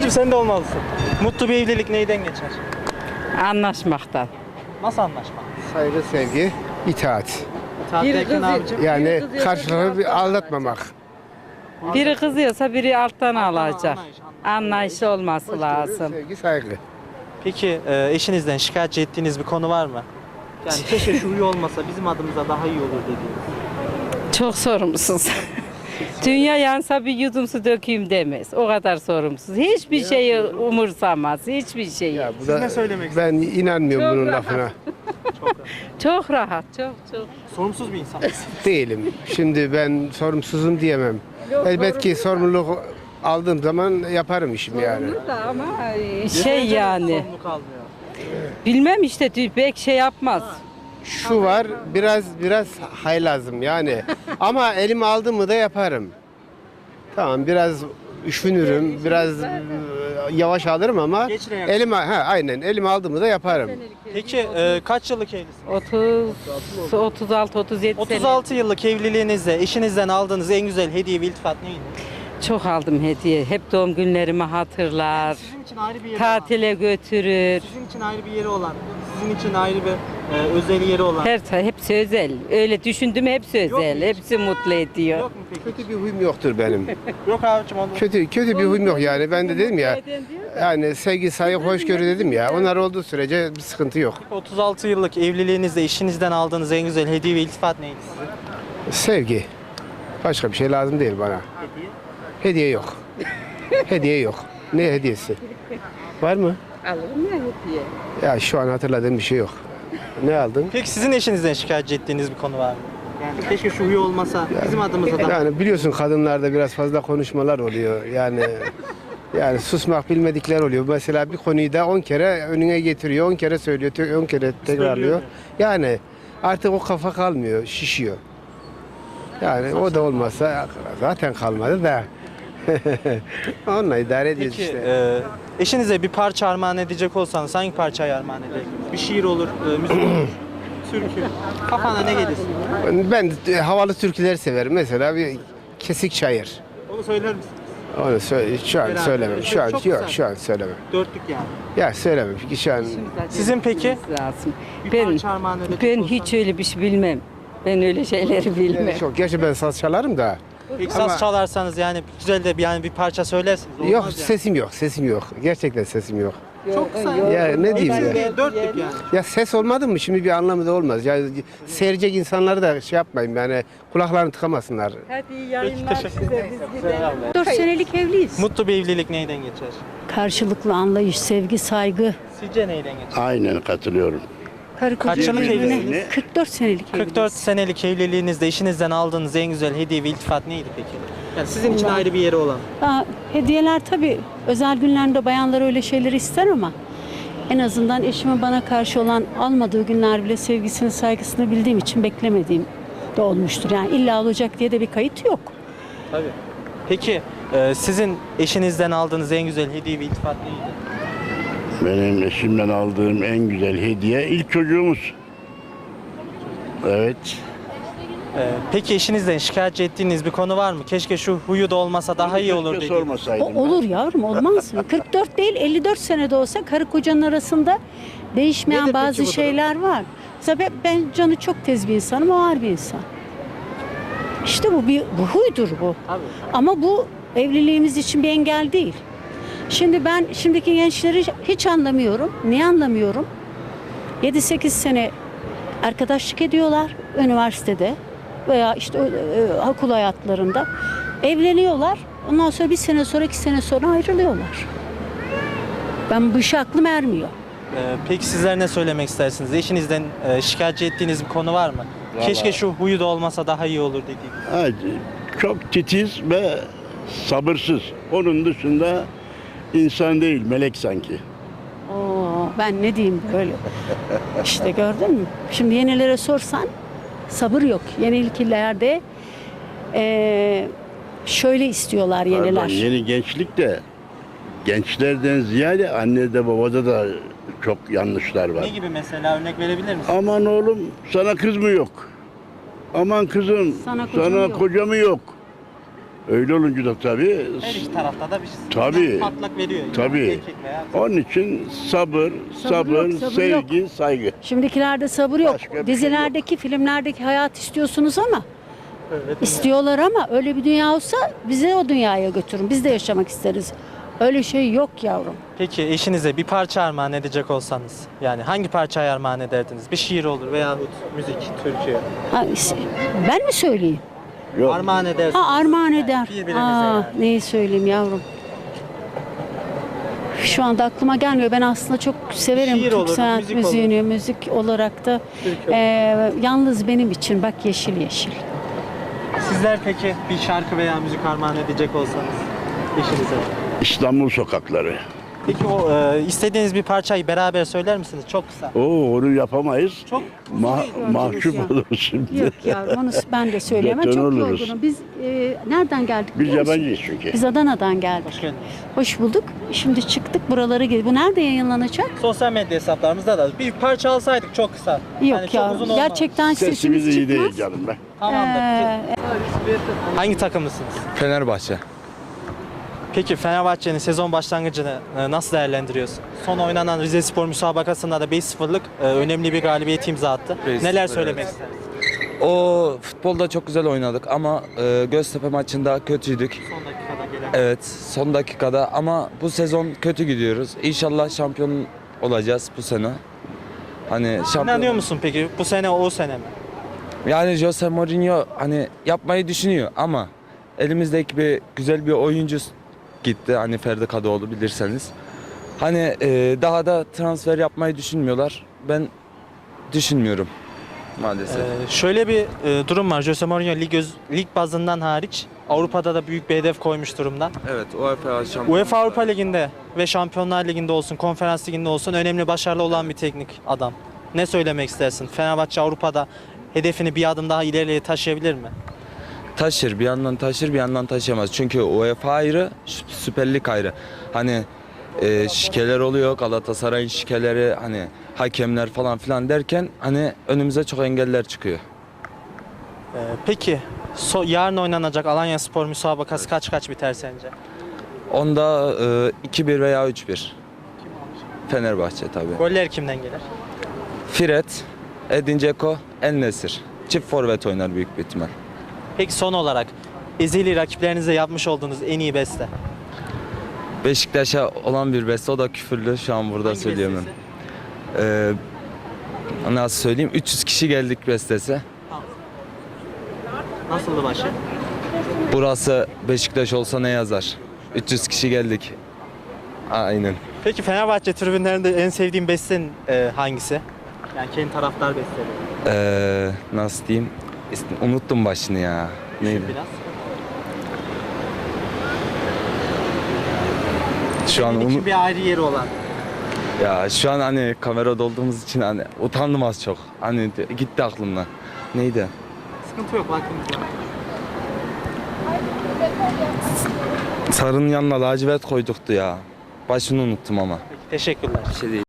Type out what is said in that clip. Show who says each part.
Speaker 1: Kardeşim sen de olmalısın. Mutlu bir evlilik neyden geçer?
Speaker 2: Anlaşmaktan.
Speaker 1: Nasıl anlaşma?
Speaker 3: Saygı, sevgi, itaat.
Speaker 1: İtaat derken abicim.
Speaker 3: Yani karşılığı bir aldatmamak.
Speaker 2: Biri kızıyorsa biri alttan alacak.
Speaker 1: anlayış.
Speaker 2: Anlayışı olması lazım.
Speaker 3: Sevgi, saygı.
Speaker 1: Peki eşinizden şikayetçi ettiğiniz bir konu var mı? Yani keşke şu huyu olmasa bizim adımıza daha iyi olur dediğiniz.
Speaker 2: Çok sorumsuz. Dünya yansa bir yudum su dökeyim demez. O kadar sorumsuz. Hiçbir şeyi umursamaz. Hiçbir şeyi.
Speaker 3: Ya bu
Speaker 1: Siz
Speaker 3: da
Speaker 1: ne söylemek
Speaker 3: ben inanmıyorum
Speaker 2: Çok
Speaker 3: bunun
Speaker 2: rahat.
Speaker 3: lafına.
Speaker 2: Çok rahat. Çok.
Speaker 1: Sorumsuz bir insan.
Speaker 3: Değilim. Şimdi ben sorumsuzum diyemem. Elbet ki sorumluluk aldığım zaman yaparım işimi yani.
Speaker 2: Da ama şey yani.
Speaker 1: Sorumluluk almıyor.
Speaker 2: Bilmem işte pek şey yapmaz.
Speaker 3: Şu var, biraz haylazım yani. Ama elimi aldım mı da yaparım. Tamam, biraz üşünürüm, biraz yavaş alırım ama
Speaker 1: Geç reaksiyon.
Speaker 3: aynen elimi aldım mı da yaparım.
Speaker 1: Peki kaç yıllık evlisiniz?
Speaker 2: 36 37
Speaker 1: 36 yıllık evliliğinizde eşinizden aldığınız en güzel hediye ve iltifat neydi?
Speaker 2: Çok aldım hediye. Hep doğum günlerimi hatırlar.
Speaker 1: Sizin için ayrı bir yeri olan,
Speaker 2: Tatile götürür.
Speaker 1: sizin için ayrı bir yeri olan, sizin için ayrı bir özel yeri olan.
Speaker 2: Hepsi özel. Öyle düşündüm hepsi
Speaker 1: Yok mu
Speaker 2: özel.
Speaker 1: hiç?
Speaker 2: Hepsi mutlu ediyor.
Speaker 1: Yok mu peki?
Speaker 3: Kötü bir huyum yoktur benim.
Speaker 1: Yok abicim onu.
Speaker 3: kötü bir huyum yok yani. Ben de dedim ya. Yani sevgi, saygı, hoşgörü dedim ya. Onlar olduğu sürece bir sıkıntı yok.
Speaker 1: 36 yıllık evliliğinizde eşinizden aldığınız en güzel hediye ve iltifat neydi size?
Speaker 3: Sevgi. Başka bir şey lazım değil bana.
Speaker 1: Hediye.
Speaker 3: Hediye yok. Hediye yok. Ne hediyesi? Var mı?
Speaker 2: Alırım ya hediye.
Speaker 3: Ya şu an hatırladığım bir şey yok. Ne aldın?
Speaker 1: Peki sizin eşinizden şikayetçi ettiğiniz bir konu var mı? Yani keşke şu huyu olmasa bizim adımıza da.
Speaker 3: Yani biliyorsun kadınlarda biraz fazla konuşmalar oluyor. Yani susmak bilmedikler oluyor. Mesela bir konuyu da 10 kere önüne getiriyor, 10 kere söylüyor, 10 kere tekrarlıyor. Yani artık o kafa kalmıyor, şişiyor. Yani o da olmasa zaten kalmadı da. Onunla idare ediyoruz
Speaker 1: Peki
Speaker 3: işte.
Speaker 1: eşinize bir parça armağan edecek olsanız hangi parçayı armağan ederdiniz? Bir şiir olur, müzik olur, türkü. Kafana ne gelirsin?
Speaker 3: Ben havalı türküleri severim. Mesela bir Kesik Çayır.
Speaker 1: Onu söyler misin?
Speaker 3: Onu şu an
Speaker 1: Beraber.
Speaker 3: söylemem. Şu an
Speaker 1: Çok
Speaker 3: yok,
Speaker 1: güzel.
Speaker 3: şu an söylemem.
Speaker 1: Dörtlük yani.
Speaker 3: Ya söylemem çünkü şu an
Speaker 1: Sizin peki?
Speaker 2: Lazım.
Speaker 1: Bir
Speaker 2: Ben
Speaker 1: parça armağan edecek
Speaker 2: ben
Speaker 1: olsan.
Speaker 2: hiç öyle bir şey bilmem. Ben öyle şeyleri bilmem.
Speaker 3: çok. Gerçi ben saz çalarım da.
Speaker 1: Peki
Speaker 3: Ama-
Speaker 1: saz çalarsanız yani güzel de bir parça söylersiniz. Olmaz
Speaker 3: Yok
Speaker 1: yani.
Speaker 3: sesim yok. Gerçekten sesim yok.
Speaker 1: Çok kısa.
Speaker 3: Ya ne diyeyim ya?
Speaker 1: Dörtlük yani.
Speaker 3: Ya ses olmadı mı şimdi bir anlamı da olmaz. Ya seyredecek insanları da şey yapmayın yani kulaklarını tıkamasınlar.
Speaker 2: Hadi iyi yayınlar
Speaker 1: teşekkür
Speaker 2: size biz gidelim.
Speaker 4: 4 senelik evliyiz.
Speaker 1: Mutlu bir evlilik neyden geçer?
Speaker 4: Karşılıklı anlayış, sevgi, saygı.
Speaker 1: Sizce neyden geçer?
Speaker 5: Aynen katılıyorum.
Speaker 4: Karı koca
Speaker 1: Kaç yıllık
Speaker 4: birbirine-
Speaker 1: evlisiniz?
Speaker 4: 44 senelik
Speaker 1: 44
Speaker 4: evliyiz.
Speaker 1: senelik evliliğinizde eşinizden aldığınız en güzel hediye ve iltifat neydi peki? Yani sizin için ayrı bir yeri olan.
Speaker 4: Hediyeler tabii özel günlerde bayanlar öyle şeyleri ister ama en azından eşimin bana karşı olan almadığı günler bile sevgisini, saygısını bildiğim için beklemediğim de olmuştur. Yani illa olacak diye de bir kayıt yok.
Speaker 1: Tabii. Peki sizin eşinizden aldığınız en güzel hediye ve iltifat neydi?
Speaker 5: Benim eşimden aldığım en güzel hediye ilk çocuğumuz. Evet.
Speaker 1: Peki eşinizden şikayetçi ettiğiniz bir konu var mı? Keşke şu huyu da olmasa daha iyi olur
Speaker 5: Keşke
Speaker 1: dediğiniz.
Speaker 5: sormasaydım.
Speaker 4: Olur yavrum, olmaz mı? 44 değil 54 senede olsa karı kocanın arasında değişmeyen
Speaker 1: Nedir peki
Speaker 4: bazı
Speaker 1: bu durum?
Speaker 4: şeyler var. Mesela ben canı çok tez bir insanım, o ağır bir insan. İşte bu huydur bu.
Speaker 1: Abi.
Speaker 4: Ama bu evliliğimiz için bir engel değil. Şimdi ben şimdiki gençleri hiç anlamıyorum. Niye anlamıyorum? 7-8 sene arkadaşlık ediyorlar üniversitede veya işte okul hayatlarında. Evleniyorlar. Ondan sonra 1 sene sonra 2 sene sonra ayrılıyorlar. Ben bu işe aklım ermiyor.
Speaker 1: Peki sizler ne söylemek istersiniz? Eşinizden şikayetçi ettiğiniz bir konu var mı?
Speaker 5: Vallahi-
Speaker 1: Keşke şu huyu da olmasa daha iyi olur dediğiniz.
Speaker 5: Evet, çok titiz ve sabırsız. Onun dışında insan değil, melek sanki.
Speaker 4: Oo, ben ne diyeyim böyle. İşte gördün mü? Şimdi yenilere sorsan sabır yok. Yenilkilerde şöyle istiyorlar yeniler.
Speaker 5: Pardon, yeni gençlik de gençlerden ziyade annede babada da çok yanlışlar var.
Speaker 1: Ne gibi mesela örnek verebilir misiniz?
Speaker 5: Aman oğlum sana kız mı yok? Aman kızım
Speaker 4: Sana
Speaker 5: sana
Speaker 4: kocam yok.
Speaker 5: koca mı yok? Öyle olunca da tabii,
Speaker 1: Her iki tarafta da bir
Speaker 5: Tabii.
Speaker 1: patlak veriyor. Yani
Speaker 5: Tabii.
Speaker 1: erkek veya kız.
Speaker 5: onun için sabır,
Speaker 4: Sabır yok, sabır
Speaker 5: sevgi, saygı.
Speaker 4: Şimdikilerde sabır yok.
Speaker 5: Başka bir şey
Speaker 4: Dizilerdeki, filmlerdeki hayat istiyorsunuz ama
Speaker 1: Öyle
Speaker 4: istiyorlar ama öyle bir dünya olsa bize o dünyaya götürün. Biz de yaşamak isteriz. Öyle şey yok yavrum.
Speaker 1: Peki eşinize bir parça armağan edecek olsanız, yani hangi parçayı armağan ederdiniz? Bir şiir olur veyahut müzik, türkü.
Speaker 4: Ha, ben mi söyleyeyim?
Speaker 5: Yok.
Speaker 1: Armağan edersiniz.
Speaker 4: Ha, armağan eder.
Speaker 1: Birbirimize
Speaker 4: Aa,
Speaker 1: yani.
Speaker 4: neyi söyleyeyim yavrum? Şu anda aklıma gelmiyor. Ben aslında çok severim
Speaker 1: Şiir
Speaker 4: Türk
Speaker 1: olur,
Speaker 4: sanat
Speaker 1: müzik
Speaker 4: müziğini. Müzik olarak da
Speaker 1: Türkü
Speaker 4: yalnız benim için bak yeşil yeşil.
Speaker 1: Sizler peki bir şarkı veya müzik armağan edecek olsanız eşinize.
Speaker 5: İstanbul sokakları.
Speaker 1: Peki o istediğiniz bir parçayı beraber söyler misiniz? Çok kısa.
Speaker 5: Onu yapamayız.
Speaker 1: Çok
Speaker 5: Mahcup
Speaker 4: ya.
Speaker 5: oluruz şimdi.
Speaker 4: Yok yavrum onu ben de söyleyemem.
Speaker 5: Beton
Speaker 4: Çok
Speaker 5: oluruz.
Speaker 4: yorgunum. Biz nereden geldik
Speaker 5: Biz
Speaker 4: biliyor musun?
Speaker 5: yabancıyız çünkü.
Speaker 4: Biz Adana'dan geldik.
Speaker 1: Hoş geldiniz.
Speaker 4: Hoş bulduk. Şimdi çıktık buralara geldik. Bu nerede yayınlanacak?
Speaker 1: Sosyal medya hesaplarımızda da bir parça alsaydık çok kısa.
Speaker 4: Yok
Speaker 1: Yani çok
Speaker 4: yavrum.
Speaker 1: uzun olmaz.
Speaker 4: Gerçekten
Speaker 5: Sesimiz
Speaker 4: sesimiz
Speaker 5: iyi değil
Speaker 4: çıkmaz.
Speaker 5: canım ben.
Speaker 1: Tamamdır.
Speaker 4: Ee,
Speaker 1: Hangi takımlısınız?
Speaker 6: Fenerbahçe.
Speaker 1: Peki Fenerbahçe'nin sezon başlangıcını nasıl değerlendiriyorsun? Son oynanan Rizespor müsabakasında da 5-0'lık önemli bir galibiyet imza attı.
Speaker 6: 5-0,
Speaker 1: Neler
Speaker 6: evet.
Speaker 1: söylemek istersin?
Speaker 6: O futbolda çok güzel oynadık ama Göztepe maçında kötüydük.
Speaker 1: Son dakikada gelen.
Speaker 6: Evet, son dakikada ama bu sezon kötü gidiyoruz. İnşallah şampiyon olacağız bu sene. Hani şampiyon.
Speaker 1: İnanıyor musun peki bu sene o sene mi?
Speaker 6: Yani Jose Mourinho hani yapmayı düşünüyor ama elimizdeki güzel bir oyuncu gitti. Hani Ferdi Kadıoğlu bilirseniz. Hani daha da transfer yapmayı düşünmüyorlar. Ben düşünmüyorum maalesef.
Speaker 1: Şöyle bir durum var. Jose Mourinho lig bazından hariç Avrupa'da da büyük bir hedef koymuş durumda.
Speaker 6: Evet, UEFA şampiyon.
Speaker 1: UEFA Avrupa Ligi'nde ve Şampiyonlar Ligi'nde olsun, Konferans Ligi'nde olsun önemli başarılı olan bir teknik adam. Ne söylemek istersin? Fenerbahçe Avrupa'da hedefini bir adım daha ileriye taşıyabilir mi?
Speaker 6: Taşır, bir yandan taşır, bir yandan taşıyamaz. Çünkü UEFA ayrı, Süper Lig ayrı. Hani şikeler oluyor, Galatasaray'ın şikeleri, hani hakemler falan filan derken hani önümüze çok engeller çıkıyor.
Speaker 1: Peki yarın oynanacak Alanyaspor müsabakası kaç biter sence?
Speaker 6: Onda 2-1 veya 3-1. Fenerbahçe tabii.
Speaker 1: Goller kimden gelir?
Speaker 6: Fred, Edin Dzeko, El Nesir. Çift forvet oynar büyük bir ihtimal.
Speaker 1: Peki son olarak ezeli rakiplerinize yapmış olduğunuz en iyi beste?
Speaker 6: Beşiktaş'a olan bir beste, o da küfürlü. Şu an burada
Speaker 1: Hangi
Speaker 6: söyleyemem.
Speaker 1: bestesi?
Speaker 6: Nasıl söyleyeyim? 300 kişi geldik bestesi.
Speaker 1: Nasıldı başı?
Speaker 6: Burası Beşiktaş olsa ne yazar? 300 kişi geldik. Aynen.
Speaker 1: Peki Fenerbahçe tribünlerinde en sevdiğin besten hangisi? Yani kendi taraftar besteleri.
Speaker 6: Nasıl diyeyim? Unuttum başını ya. Neydi?
Speaker 1: Biraz.
Speaker 6: Şu an
Speaker 1: Senin için bir ayrı yeri olan.
Speaker 6: ya şu an hani kamerada olduğumuz için hani utandım az çok. Hani gitti aklımdan. Neydi?
Speaker 1: Sıkıntı yok, vaktimiz var.
Speaker 6: Sarının yanına lacivert koyduktu ya. Başını unuttum ama.
Speaker 1: Peki, teşekkürler.
Speaker 6: Bir şey değil.